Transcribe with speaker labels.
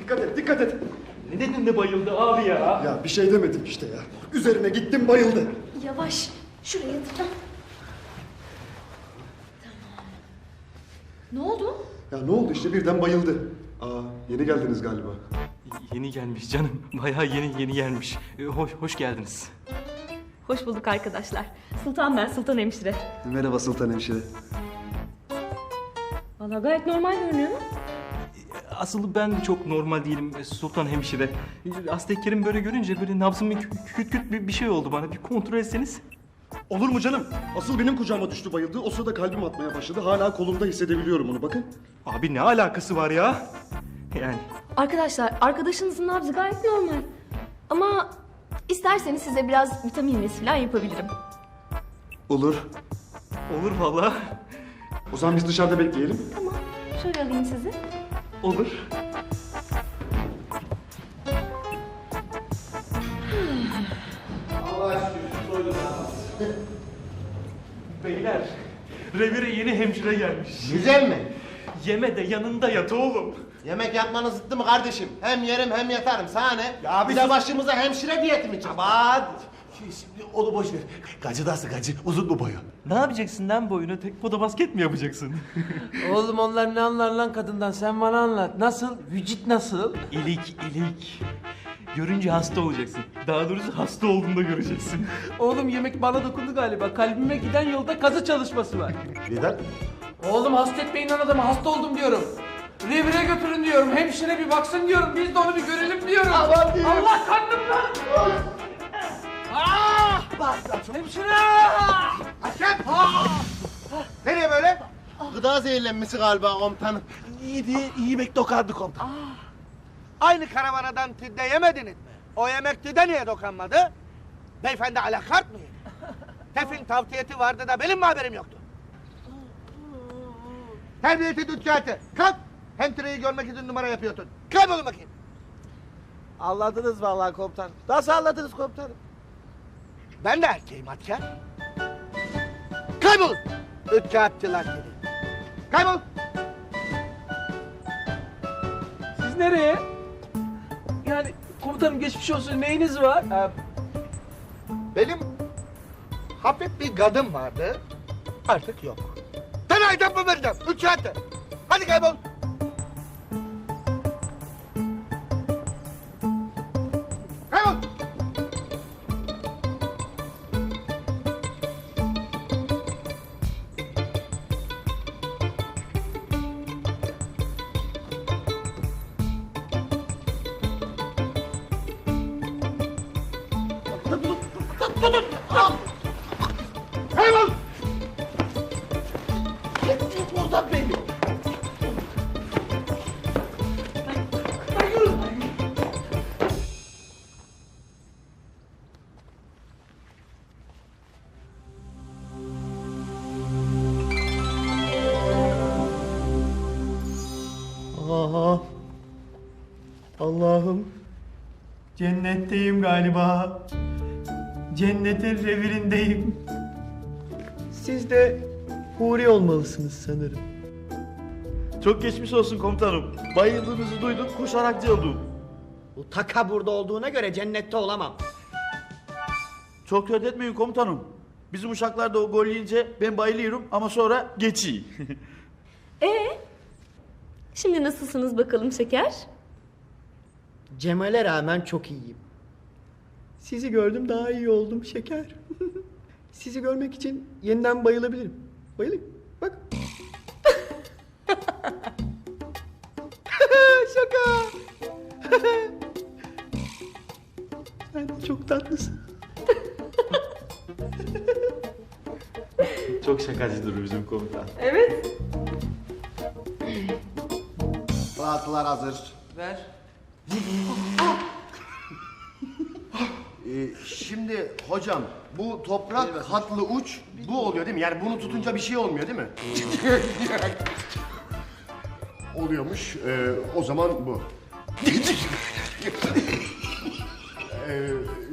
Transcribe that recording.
Speaker 1: Dikkat et, dikkat et.
Speaker 2: Ne dedin de bayıldı abi ya?
Speaker 1: Ya bir şey demedim işte ya. Üzerine gittim bayıldı.
Speaker 3: Yavaş. Şuraya yatır. Tamam. Ne oldu?
Speaker 1: Ya ne oldu işte birden bayıldı. Yeni geldiniz galiba.
Speaker 2: Yeni gelmiş canım. Bayağı yeni gelmiş. Hoş geldiniz.
Speaker 3: Hoş bulduk arkadaşlar. Sultan ben, Sultan Hemşire.
Speaker 1: Merhaba Sultan Hemşire.
Speaker 3: Vallahi gayet normal görünüyor mu?
Speaker 2: Asıl ben çok normal değilim Sultan Hemşire. Hasta Kerim böyle görünce böyle nabzım küt bir şey oldu bana. Bir kontrol etseniz.
Speaker 1: Olur mu canım? Asıl benim kucağıma düştü bayıldı. O sırada kalbim atmaya başladı. Hala kolumda hissedebiliyorum onu bakın.
Speaker 2: Abi ne alakası var ya? Yani
Speaker 3: Arkadaşlar arkadaşınızın nabzı gayet normal. Ama isterseniz size biraz vitamin iğnesi falan yapabilirim.
Speaker 1: Olur.
Speaker 2: olur vallahi.
Speaker 1: O zaman biz dışarıda bekleyelim.
Speaker 3: Tamam. Şöyle alayım sizi.
Speaker 2: Olur. Beyler, revire yeni hemşire gelmiş.
Speaker 4: Güzel mi?
Speaker 2: Yeme de yanında yat oğlum.
Speaker 4: Yemek yapmanız zıttı mı kardeşim? Hem yerim hem yatarım. Sana ne?
Speaker 2: Ya
Speaker 4: bir de başımıza hemşire diyeti mi çıktı?
Speaker 5: Aman! Şimdi onu boş ver. Gacı nasıl gacı? Uzun mu boyu?
Speaker 2: Ne yapacaksın lan boyuna? Tek poda basket mi yapacaksın?
Speaker 6: Oğlum onlar ne anlar lan kadından, sen bana anlat. Nasıl? Vücut nasıl?
Speaker 2: İlik. Görünce hasta olacaksın. Daha doğrusu hasta olduğunda göreceksin.
Speaker 6: Oğlum yemek bana dokundu galiba. Kalbime giden yolda kazı çalışması var.
Speaker 5: Neden?
Speaker 6: Oğlum hasta etmeyin lan adamı, hasta oldum diyorum. Revire götürün diyorum, hemşire bir baksın diyorum, biz de onu bir görelim diyorum.
Speaker 5: Aman diyeyim.
Speaker 6: Allah kandım lan! Hemşire!
Speaker 4: Hakem! Nereye böyle? Gıda zehirlenmesi galiba komutanım.
Speaker 5: İyi yemek dokandı komutan.
Speaker 4: Aynı karavanadan tüdde yemediniz mi? O yemek tüdde niye dokanmadı? Beyefendi alakart mı yedi? Tefin tavtiyeti vardı da benim mi haberim yoktu? Terbiyeti dükkatı. Kalk! Hemşireyi görmek için numara yapıyordun. Kaybolun bakayım.
Speaker 5: Anladınız vallahi komutan. Nasıl anladınız komutanım?
Speaker 4: Ben de erkeğim Atker. Kaybol! Ütkâpçılar seni. Kaybol!
Speaker 6: Siz nereye? Yani komutanım geçmiş olsun, neyiniz var?
Speaker 4: Benim hafif bir gadım vardı. Artık yok. Sana aydan mı vereceğim? Ütkâpçı. Hadi kaybol! Kaybol! Kaybol!
Speaker 5: Buradan beni.
Speaker 7: Aha. Allah'ım. Cennetteyim galiba. Cennetin revirindeyim. Siz de huri olmalısınız sanırım.
Speaker 8: Çok geçmiş olsun komutanım. Bayıldığınızı duydum, koşarak geldim.
Speaker 7: Bu taka burada olduğuna göre cennette olamam.
Speaker 8: Çok dert etmeyin komutanım. Bizim uşaklar da o gol yiyince ben bayılıyorum ama sonra geçiyor.
Speaker 3: Şimdi nasılsınız bakalım şeker?
Speaker 7: Cemal'e rağmen çok iyiyim. Sizi gördüm daha iyi oldum şeker. Sizi görmek için yeniden bayılabilirim. Bayılayım. Bak. Şaka. Sen çok tatlısın.
Speaker 8: Çok şakacıdır bizim komutan.
Speaker 3: Evet.
Speaker 4: Rahatlar hazır.
Speaker 6: Ver.
Speaker 4: Şimdi hocam bu toprak hatlı uç bu oluyor değil mi? Yani bunu tutunca bir şey olmuyor değil mi? Oluyormuş. O zaman bu.